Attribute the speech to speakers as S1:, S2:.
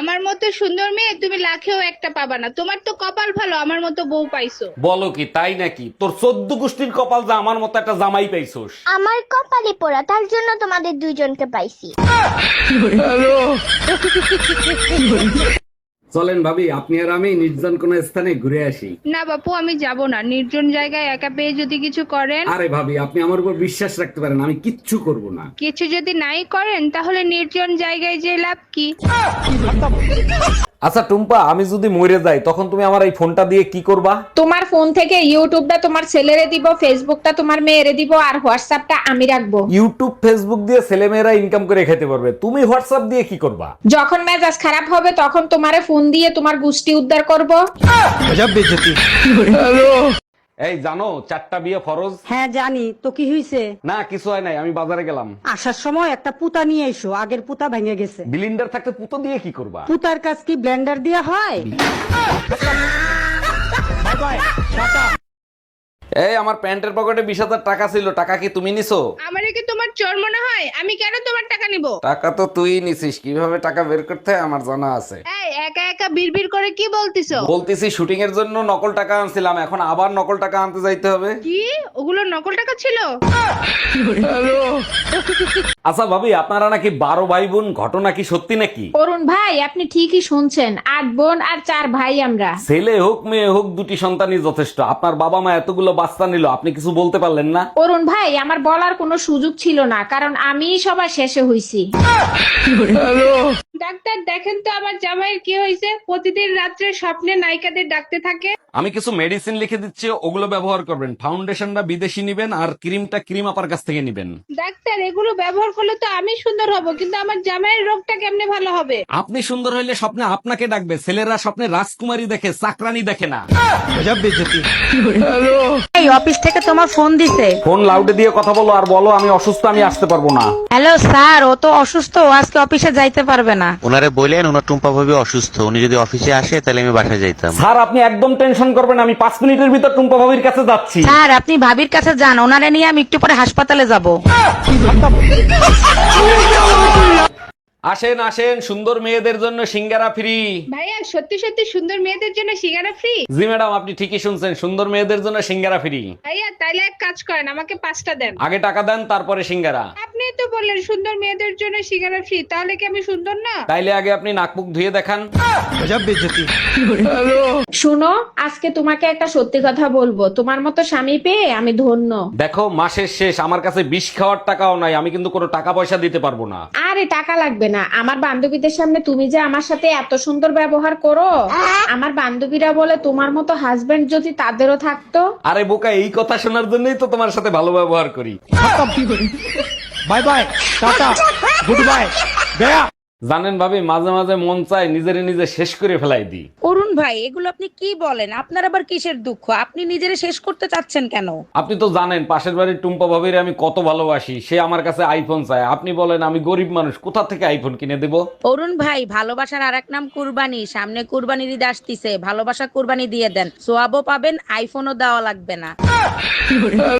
S1: আমার মতো সুন্দর মেয়ে তুমি লাখেও একটা পাবা না। তোমার তো কপাল ভালো, আমার মতো বউ পাইছো।
S2: বলো কি তাই নাকি? তোর 14 গোষ্ঠীর কপাল যা আমার মতো একটা জামাই পাইছোস।
S3: আমার কপালে পোড়া, তার জন্য তোমাদের দুইজনকে পাইছি।
S2: চলেন ভাবি, আপনি আর আমি নির্জন কোন স্থানে ঘুরে আসি।
S1: না বাপু, আমি যাব না। নির্জন জায়গায় একা পেয়ে যদি কিছু করেন।
S2: আরে ভাবি, আপনি আমার উপর বিশ্বাস রাখতে পারেন, আমি কিচ্ছু করব না।
S1: কিছু যদি নাই করেন তাহলে নির্জন জায়গায় যে লাভ কি?
S2: আচ্ছা টুম্পা, আমি যদি মরে যাই তখন তুমি আমার এই ফোনটা দিয়ে কি করবা?
S4: তোমার ফোন থেকে ইউটিউবটা তোমার ছেলেরে দিব, ফেসবুকটা তোমার মেয়েরে দিব, আর হোয়াটসঅ্যাপটা আমি রাখবো।
S2: ইউটিউব ফেসবুক দিয়ে ছেলেমেয়েরা ইনকাম করে খেতে পারবে, তুমি হোয়াটসঅ্যাপ দিয়ে কি করবা?
S4: যখন মেজাজ খারাপ হবে তখন তোমারে ফোন দিয়ে তোমার গুষ্টি উদ্ধার করব।
S2: এই জানো 4টা বিয়ে ফরজ?
S5: হ্যাঁ জানি তো, কি হয়েছে?
S2: না কিছু হয় নাই, আমি বাজারে গেলাম।
S5: আসার সময় একটা পুতা নিয়ে এসো, আগের পুতা ভেঙে গেছে।
S2: বিলিন্ডার থাকতে পুতো দিয়ে কি করবা?
S5: পুতার কাজ কি ব্লেন্ডার দিয়ে হয়?
S2: এই আমার প্যান্টের পকেটে 20,000 টাকা ছিল, টাকা কি তুমি নিছো?
S1: আমারে কি তোমার চোর মনে হয়? আমি কেন তোমার টাকা নিব?
S2: টাকা তো তুই নিছিস, কিভাবে টাকা বের করতে হয় আমার জানা আছে।
S1: এই একা একা বিড়বিড় করে কি বলতিছো?
S2: বলতেছি শুটিং এর জন্য নকল টাকা আনছিলাম, এখন আবার নকল টাকা আনতে যাইতে হবে।
S1: কি ওগুলো নকল টাকা ছিল?
S2: আচ্ছা ভাবি, আপনারা নাকি 12 ভাই বোন, ঘটনা কি সত্যি নাকি?
S4: অরুণ ভাই, আপনি ঠিকই শুনছেন। 8 বোন আর 4 ভাই আমরা।
S2: ছেলে হোক মেয়ে হোক, দুটি সন্তানই যথেষ্ট। আপনার বাবা মা এতগুলো বাচ্চা নিল, আপনি কিছু বলতে পারলেন না?
S4: অরুণ ভাই, আমার বলার কোনো সুযোগ ছিল না, কারণ আমি সবার শেষে হইছি।
S1: ডাক্তার দেখেন তো আমার জামাইয়ের কি হয়েছে? প্রতিদিন রাত্রে স্বপ্নে নায়িকাদের ডাকতে থাকে।
S2: আমি কিছু মেডিসিন লিখে দিচ্ছি, ওগুলো ব্যবহার করবেন। ফাউন্ডেশনটা বিদেশি নিবেন, আর ক্রিমটা ক্রিম আপার কাছ থেকে নিবেন।
S1: ডাক্তার এগুলো ব্যবহার করলে তো আমি সুন্দর হব, কিন্তু আমার জামাইয়ের রোগটা কেমনে ভালো হবে?
S2: আপনি সুন্দর হইলে স্বপ্নে আপনাকে ডাকবে, ছেলেরা স্বপ্নে রাজকুমারী দেখে, চাকরানী দেখে না।
S5: এই অফিস থেকে তোমার ফোন দিছে।
S2: ফোন লাউডে দিয়ে কথা বলো, আর বলো আমি অসুস্থ, আমি আসতে পারবো না।
S5: হ্যালো স্যার, ও তো অসুস্থ, ও আজকে অফিসে যাইতে পারবে না।
S6: ওনারে বললেন ওনার টুম্পা ভাবি অসুস্থ, উনি যদি অফিসে আসে তাহলে আমি বাসায় যাইতাম।
S2: স্যার আপনি একদম টেনশন করবেন, আমি 5 মিনিটের ভিতর টুম্পা ভাবির কাছে যাচ্ছি।
S5: স্যার আপনি ভাবির কাছে যান, ওনারে নিয়ে আমি একটু পরে হাসপাতালে যাব।
S2: আসেন আসেন, সুন্দর মেয়েদের জন্য সিঙ্গারা ফ্রি।
S1: ভাইয়া সত্যি সত্যি সুন্দর মেয়েদের জন্য সিঙ্গারা ফ্রি?
S2: জি ম্যাডাম, আপনি ঠিকই শুনছেন, সুন্দর মেয়েদের জন্য সিঙ্গারা ফ্রি।
S1: ভাইয়া তাইলে এক কাজ করেন, আমাকে 5টা দেন।
S2: আগে টাকা দেন, তারপরে সিঙ্গারা।
S1: আপনি তো বললেন সুন্দর মেয়েদের জন্য সিঙ্গারা ফ্রি, তাহলে কি আমি সুন্দর না?
S2: তাইলে আগে আপনি নাক মুখ ধুয়ে দেখান।
S4: শুনো, আজকে তোমাকে একটা সত্যি কথা বলবো। তোমার মতো স্বামী পেয়ে আমি ধন্য।
S2: দেখো মাসের শেষ, আমার কাছে বিষ খাওয়ার টাকাও নাই, আমি কিন্তু কোনো টাকা পয়সা দিতে পারবো না।
S4: আরে টাকা লাগবে না, আমার বান্ধবীদের সামনে তুমি যে আমার সাথে এত সুন্দর ব্যবহার করো, আমার বান্ধবীরা বলে তোমার মতো হাজবেন্ড যদি তাদেরও থাকতো।
S2: আরে বোকা, এই কথা শোনার জন্যই তো তোমার সাথে ভালো ব্যবহার করি।
S7: Bye bye, tata, goodbye, গয়া।
S2: জানেন ভাবি, মাঝে মাঝে মন চায় নিজেরে নিজে শেষ করে ফেলাই দিই।
S5: অরুণ ভাই, এগুলো আপনি কি বলেন? আপনার আবার কিসের দুঃখ? আপনি নিজেরে শেষ করতে চাচ্ছেন কেন?
S2: আপনি তো জানেন পাশের বাড়ির টুম্পা ভাবির আমি কত ভালোবাসি, সে আমার কাছে আইফোন চায়। আপনি বলেন আমি গরিব মানুষ, কোথা থেকে আইফোন কিনে দেব?
S5: অরুণ ভাই, ভালোবাসার আরেক নাম কুরবানি। সামনে কুরবানির ঈদ আসতিছে, ভালোবাসা কুরবানি দিয়ে দেন, সোয়াবও পাবেন, আইফোনও দেওয়া লাগবে না।